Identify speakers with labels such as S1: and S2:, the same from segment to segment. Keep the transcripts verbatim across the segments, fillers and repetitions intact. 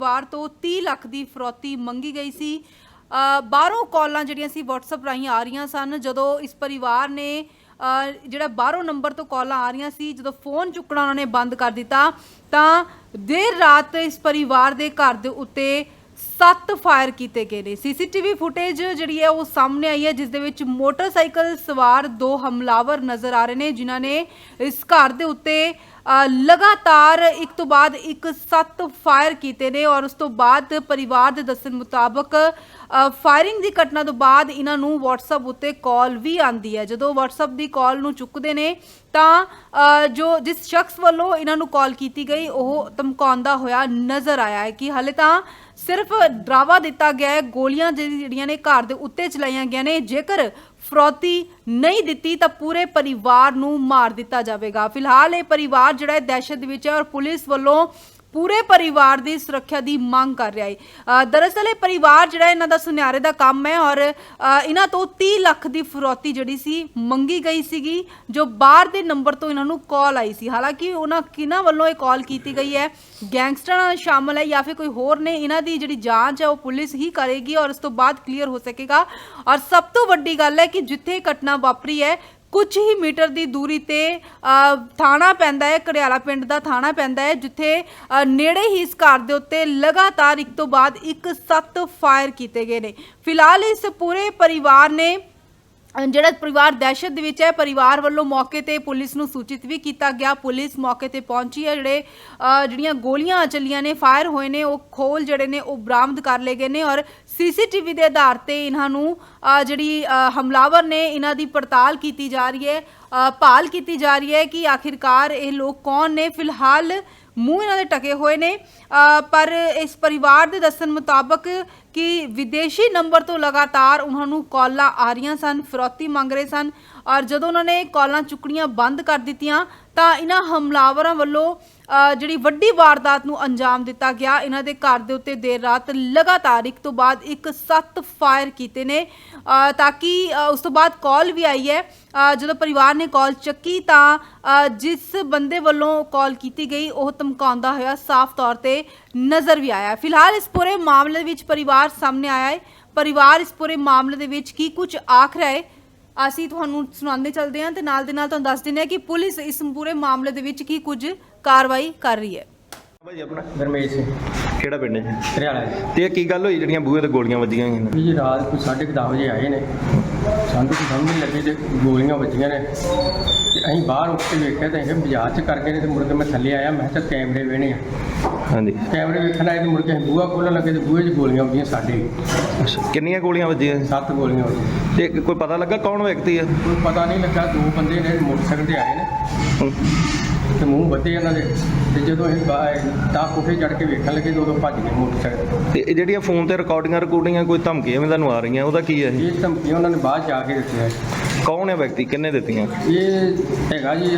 S1: ਵਾਰ ਤੋਂ तीह ਲੱਖ ਦੀ ਫਰੌਤੀ ਮੰਗੀ ਗਈ ਸੀ। ਬਾਹਰੋਂ ਕਾਲਾਂ ਜਿਹੜੀਆਂ ਸੀ WhatsApp ਰਾਹੀਂ ਆ ਰਹੀਆਂ ਸਨ। ਜਦੋਂ ਇਸ ਪਰਿਵਾਰ ਨੇ ਜਿਹੜਾ ਬਾਹਰੋਂ ਨੰਬਰ ਤੋਂ ਕਾਲਾਂ ਆ ਰਹੀਆਂ ਸੀ, ਜਦੋਂ ਫੋਨ ਚੁੱਕਣਾ ਉਹਨਾਂ ਨੇ ਬੰਦ ਕਰ ਦਿੱਤਾ ਤਾਂ ਦੇਰ ਰਾਤ ਇਸ ਪਰਿਵਾਰ ਦੇ ਘਰ ਦੇ ਉੱਤੇ ਸੱਤ ਫਾਇਰ ਕੀਤੇ ਗਏ ਨੇ। ਸੀਸੀਟੀਵੀ ਫੁਟੇਜ ਜਿਹੜੀ ਹੈ ਉਹ ਸਾਹਮਣੇ ਆਈ ਹੈ, ਜਿਸ ਦੇ ਵਿੱਚ ਮੋਟਰਸਾਈਕਲ ਸਵਾਰ ਦੋ ਹਮਲਾਵਰ ਨਜ਼ਰ ਆ ਰਹੇ ਨੇ, ਜਿਨ੍ਹਾਂ ਨੇ ਇਸ ਘਰ ਦੇ ਉੱਤੇ लगातार एक तो बाद एक सत्त फायर किए ने। और उस तो बाद परिवार के दस्सण मुताबक फायरिंग की घटना तो बाद इन्हों WhatsApp उत्ते कॉल भी आती है। जो WhatsApp की कॉल नूं चुकते ने तां जो जिस शख्स वालों इन्हों कॉल की गई वह धमकाउंदा होया नज़र आया है कि हाले तां सिर्फ डरावा दिता गया है, गोलियां जिहड़ियां ने घर दे उत्ते चलाईयां गईयां ने, जेकर फरौती नहीं दिती तो पूरे परिवार नूं मार दिता जाएगा। फिलहाल ये परिवार जिहड़ा दहशत विच है और पुलिस वालों पूरे परिवार की सुरक्षा की मांग कर रहा है। दरअसल ये परिवार जिहड़ा इन्हां दा सुनियारे दा काम है और इन्हां तो तीह लख की फरौती जिहड़ी सी मंगी गई सीगी, जो बाहर दे नंबर तो इन्हां नूं कॉल आई सी। हालांकि उन्हां किन्हां वल्लों ये कॉल की गई है, गैंगस्टर शामिल है या फिर कोई होर ने, इन्हां दी जिहड़ी जांच है वो पुलिस ही करेगी और उस तो बाद क्लीयर हो सकेगा। और सब तो वड्डी गल है कि जिथे घटना वापरी है कुछ ही मीटर की दूरी ते थाना पैंदा है, कड़ियाला पिंड का थाना पैंदा है, जिथे नेड़े ही इस घर के उत्ते लगातार एक तो बाद एक सत्त फायर किए गए ने। फिलहाल इस पूरे परिवार ने ਜਿਹੜਾ परिवार दहशत ਦੇ ਵਿੱਚ है, परिवार ਵੱਲੋਂ मौके ਤੇ पुलिस ਨੂੰ सूचित भी किया गया। पुलिस मौके ਤੇ पहुंची है, ਜਿਹੜੇ ਜਿਹੜੀਆਂ ਗੋਲੀਆਂ ਚੱਲੀਆਂ ਨੇ, फायर ਹੋਏ ਨੇ, ਉਹ ਖੋਲ ਜਿਹੜੇ ਨੇ ਉਹ ਬਰਾਮਦ ਕਰ ਲਏ ਗਏ ਨੇ। ਔਰ ਸੀਸੀਟੀਵੀ ਦੇ ਆਧਾਰ ਤੇ ਇਹਨਾਂ ਨੂੰ ਜਿਹੜੀ ਹਮਲਾਵਰ ਨੇ ਇਹਨਾਂ ਦੀ ਪੜਤਾਲ ਕੀਤੀ ਜਾ ਰਹੀ ਹੈ, ਭਾਲ ਕੀਤੀ ਜਾ ਰਹੀ ਹੈ ਕਿ ਆਖਿਰਕਾਰ ਇਹ ਲੋਕ ਕੌਣ ਨੇ। ਫਿਲਹਾਲ मूँह इन्होंने टके हुए ने, पर इस परिवार के दस्सण मुताबक कि विदेशी नंबर तो लगातार उन्होंने कॉलां आ रही सन, फिरौती मंग रहे सन। और जो उन्होंने कॉलां चुकनियां बंद कर दित्तियां तां इन्हां हमलावरां वल्लों जिहड़ी वड्डी वारदात नूं अंजाम दिता गया। इन्हां दे घर दे उत्ते देर रात लगातार एक तो बाद एक सत्त फायर कीते ने, ताकि उस तो बाद कॉल भी आई है। जो परिवार ने कॉल चुकी तां जिस बंदे वल्लों कॉल की गई वह धमकाउंदा होया साफ तौर पर नज़र भी आया। फिलहाल इस पूरे मामले विच परिवार सामने आया है। परिवार इस पूरे मामले दे विच की कुछ आख रहा है ਅਸੀਂ ਤੁਹਾਨੂੰ ਸੁਣਾਉਂਦੇ ਚੱਲਦੇ ਹਾਂ ਤੇ ਨਾਲ ਦੇ ਨਾਲ ਤੁਹਾਨੂੰ ਦੱਸ ਦਿੰਦੇ ਹਾਂ ਕਿ ਪੁਲਿਸ ਇਸ ਪੂਰੇ ਮਾਮਲੇ ਦੇ ਵਿੱਚ ਕੀ ਕੁਝ ਕਾਰਵਾਈ ਕਰ ਰਹੀ ਹੈ।
S2: ਭਾਈ ਆਪਣਾ
S3: ਗਰਮੇਸ਼ ਸਿੰਘ
S2: ਕਿਹੜਾ ਪਿੰਡ ਹੈ?
S3: ਹਰਿਆਣਾ।
S2: ਤੇ ਕੀ ਗੱਲ ਹੋਈ ਜਿਹੜੀਆਂ ਬੂਹੇ ਤੇ ਗੋਲੀਆਂ ਵੱਜੀਆਂ ਹੋਈਆਂ ਨੇ?
S3: ਜੀ ਰਾਤ ਕੋਈ ਸਾਢੇ ਕੁ ਦਸ ਵਜੇ ਆਏ ਨੇ, ਸਾਨੂੰ ਕੋਈ ਸਮਝ ਨਹੀਂ ਲੱਗੀ ਤੇ ਗੋਲੀਆਂ ਵੱਜੀਆਂ ਨੇ ਤੇ ਅਸੀਂ ਬਾਹਰ ਉੱਠ ਕੇ ਵੇਖਿਆ ਤਾਂ ਇਹ ਬਾਜ਼ਾਰ 'ਚ ਕਰਕੇ ਨੇ ਤੇ ਮੁੜ ਕੇ ਮੈਂ ਥੱਲੇ ਆਇਆ। ਮੈਂ ਕਿਹਾ ਕੈਮਰੇ ਵੇਣੇ ਆ। ਹਾਂਜੀ, ਕੈਮਰੇ ਵੇਖਣ ਆਏ ਤੇ ਮੁੜ ਕੇ ਅਸੀਂ ਬੂਹਾ ਖੋਲ੍ਹਣ ਲੱਗੇ ਤੇ ਬੂਹੇ 'ਚ ਗੋਲੀਆਂ ਵੱਜੀਆਂ ਸਾਡੇ। ਅੱਛਾ,
S2: ਕਿੰਨੀਆਂ ਗੋਲੀਆਂ ਵੱਜੀਆਂ?
S3: ਸੱਤ ਗੋਲੀਆਂ ਵੱਜੀਆਂ।
S2: ਤੇ ਕੋਈ ਪਤਾ ਲੱਗਾ ਕੌਣ ਵਿਅਕਤੀ ਹੈ?
S3: ਕੋਈ ਪਤਾ ਨਹੀਂ ਲੱਗਾ। ਦੋ ਬੰਦੇ ਨੇ ਮੋਟਰਸਾਈਕਲ ਤੇ ਆਏ ਨੇ ਤੇ ਮੂੰਹ ਵੱਧੇ ਇਹਨਾਂ ਦੇ, ਤੇ ਜਦੋਂ ਅਸੀਂ ਤਾਂ ਕੋਠੇ ਚੜ੍ਹ ਕੇ ਵੇਖਣ ਲੱਗੇ ਤਾਂ ਉਦੋਂ ਭੱਜ ਗਏ ਮੋਟਰਸਾਈਕਲ। ਤੇ
S2: ਇਹ ਜਿਹੜੀਆਂ ਫੋਨ ਤੇ ਰਿਕਾਰਡਿੰਗਾਂ ਰਿਕਾਰਡਿੰਗਾਂ ਕੋਈ ਧਮਕੀਆਂ ਵੀ ਤੁਹਾਨੂੰ ਆ ਰਹੀਆਂ, ਉਹਦਾ ਕੀ ਹੈ?
S3: ਇਹ ਧਮਕੀਆਂ ਉਹਨਾਂ ਨੇ ਬਾਅਦ ਜਾ ਕੇ ਦਿੱਤੀਆਂ।
S2: ਕੌਣ ਹੈ ਵਿਅਕਤੀ, ਕਿੰਨੇ ਦਿੱਤੀਆਂ?
S3: ਇਹ ਹੈਗਾ ਜੀ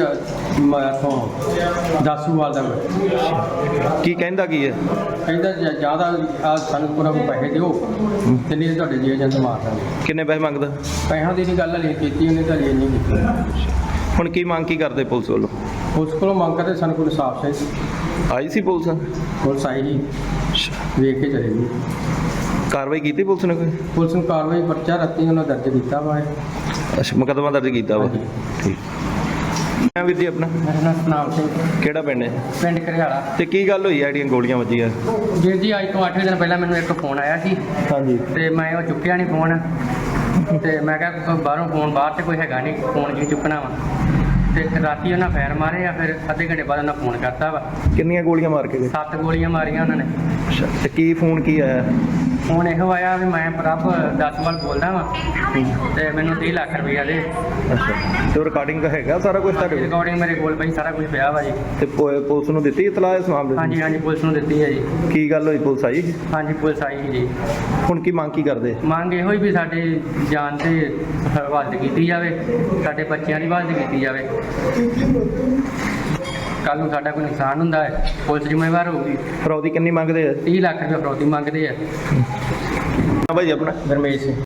S3: ਇੱਥੋਂ ਦਾਸੂਵਾਲ ਦਾ।
S2: ਕੀ ਕਹਿੰਦਾ ਕੀ ਹੈ?
S3: ਕਹਿੰਦਾ ਜ਼ਿਆਦਾ ਆ ਸਾਨੂੰ ਪੂਰਾ ਪੈਸੇ ਦਿਓ ਤੇ ਨਹੀਂ ਤੁਹਾਡੇ ਜੀ ਏਜੰਟ ਮਾਰ ਦਾਂਗੇ।
S2: ਕਿੰਨੇ ਪੈਸੇ ਮੰਗਦਾ?
S3: ਪੈਸਿਆਂ ਦੀ ਨਹੀਂ ਗੱਲ ਹਲੇ ਕੀਤੀ ਉਹਨੇ, ਤਾਂ ਹਲੇ ਨਹੀਂ ਕੀਤੀ।
S2: ਹੁਣ ਕੀ ਮੰਗ ਕੀ ਕਰਦੇ ਪੁਲਿਸ ਵੱਲੋਂ?
S3: ਪੁਲਿਸ ਕੋਲੋਂ ਮੰਗ ਕਰਦੇ ਸਾਨੂੰ ਕੋਈ ਇਨਸਾਫ ਚਾਹੀਦਾ।
S2: ਆਈ ਸੀ ਪੁਲਿਸ?
S3: ਪੁਲਿਸ ਆਈ ਜੀ, ਵੇਖ ਕੇ ਚਲੇ ਗਈ।
S2: ਕਾਰਵਾਈ ਕੀਤੀ ਪੁਲਿਸ ਨੇ ਕੋਈ?
S3: ਪੁਲਿਸ ਨੂੰ ਕਾਰਵਾਈ ਪਰਚਾ ਰਾਤੀ ਉਹਨਾਂ ਦਰਜ ਕੀਤਾ ਵਾ।
S2: ਅੱਛਾ, ਮੁਕੱਦਮਾ ਦਰਜ ਕੀਤਾ ਵਾ। ਠੀਕ। ਮੈਂ ਵੀਰ ਜੀ ਆਪਣਾ?
S3: ਮੇਰਾ ਨਾਮ ਸਤਨਾਮ ਸਿੰਘ।
S2: ਕਿਹੜਾ ਪਿੰਡ ਹੈ?
S3: ਪਿੰਡ ਘਰਿਆਲਾ।
S2: ਤੇ ਕੀ ਗੱਲ ਹੋਈ ਹੈ ਜਿਹੜੀਆਂ ਗੋਲੀਆਂ ਵੱਜੀਆਂ?
S3: ਵੀਰ ਜੀ ਅੱਜ ਤੋਂ ਅੱਠ ਦਿਨ ਪਹਿਲਾਂ ਮੈਨੂੰ ਇੱਕ ਫੋਨ ਆਇਆ ਸੀ। ਹਾਂਜੀ। ਤੇ ਮੈਂ ਉਹ ਚੁੱਕਿਆ ਨਹੀਂ ਫੋਨ, ਤੇ ਮੈਂ ਕਿਹਾ ਬਾਹਰੋਂ ਫੋਨ ਬਾਹਰ ਤੇ ਕੋਈ ਹੈਗਾ ਨਹੀਂ, ਫੋਨ ਕੀ ਚੁੱਕਣਾ ਵਾ। ਤੇ ਰਾਤੀ ਉਹਨਾਂ ਫੈਰ ਮਾਰੇ ਆ, ਫਿਰ ਅੱਧੇ ਘੰਟੇ ਬਾਅਦ ਉਹਨਾਂ ਫੋਨ ਕਰਤਾ ਵਾ।
S2: ਕਿੰਨੀਆਂ ਗੋਲੀਆਂ ਮਾਰ ਕੇ ਗਏ?
S3: ਸੱਤ ਗੋਲੀਆਂ ਮਾਰੀਆਂ ਉਹਨਾਂ ਨੇ।
S2: ਅੱਛਾ, ਤੇ ਕੀ ਫੋਨ ਕੀ ਆਇਆ?
S3: ਫੋਨ ਇਹੋ ਆਇਆ ਵੀ ਮੈਂ ਪ੍ਰਭ ਦਸਵਾਲ ਬੋਲਦਾ ਵਾਂ ਤੇ ਮੈਨੂੰ ਤੀਹ ਲੱਖ ਰੁਪਈਆ ਦੇ।
S2: ਅੱਛਾ, ਤੇ ਰਿਕਾਰਡਿੰਗ ਦਾ ਹੈਗਾ ਸਾਰਾ ਕੁਝ ਤੁਹਾਡੇ ਕੋਲ?
S3: ਰਿਕਾਰਡਿੰਗ ਮੇਰੇ ਕੋਲ ਪਈ, ਸਾਰਾ ਕੁਝ ਪਿਆ ਵਾ ਜੀ।
S2: ਤੇ ਪੁਲਿਸ ਨੂੰ ਦਿੱਤੀ ਇਤਲਾਹ ਇਸ ਮਾਮਲੇ ਦੀ?
S3: ਹਾਂਜੀ ਹਾਂਜੀ, ਪੁਲਿਸ ਨੂੰ ਦਿੱਤੀ ਹੈ ਜੀ।
S2: ਕੀ ਗੱਲ ਹੋਈ, ਪੁਲਿਸ ਆਈ?
S3: ਹਾਂਜੀ, ਪੁਲਿਸ ਆਈ ਜੀ।
S2: ਹੁਣ ਕੀ ਮੰਗ ਕੀ ਕਰਦੇ?
S3: ਮੰਗ ਇਹੋ ਹੀ ਵੀ ਸਾਡੇ ਜਾਨ ਤੇ ਹਿਫਾਜ਼ਤ ਕੀਤੀ ਜਾਵੇ, ਸਾਡੇ ਬੱਚਿਆਂ ਦੀ ਹਿਫਾਜ਼ਤ ਕੀਤੀ ਜਾਵੇ। ਕੱਲ ਨੂੰ ਸਾਡਾ ਕੋਈ ਨੁਕਸਾਨ ਹੁੰਦਾ ਹੈ, ਪੁਲਿਸ ਜ਼ਿੰਮੇਵਾਰ ਹੋਊਗੀ।
S2: ਫਰੌਤੀ ਕਿੰਨੀ ਮੰਗਦੇ ਆ?
S3: ਤੀਹ ਲੱਖ ਰੁਪਏ ਫਰੌਤੀ ਮੰਗਦੇ ਆ।
S2: ਭਾਈ ਆਪਣਾ?
S3: ਗਰਮੇਸ਼ ਸਿੰਘ।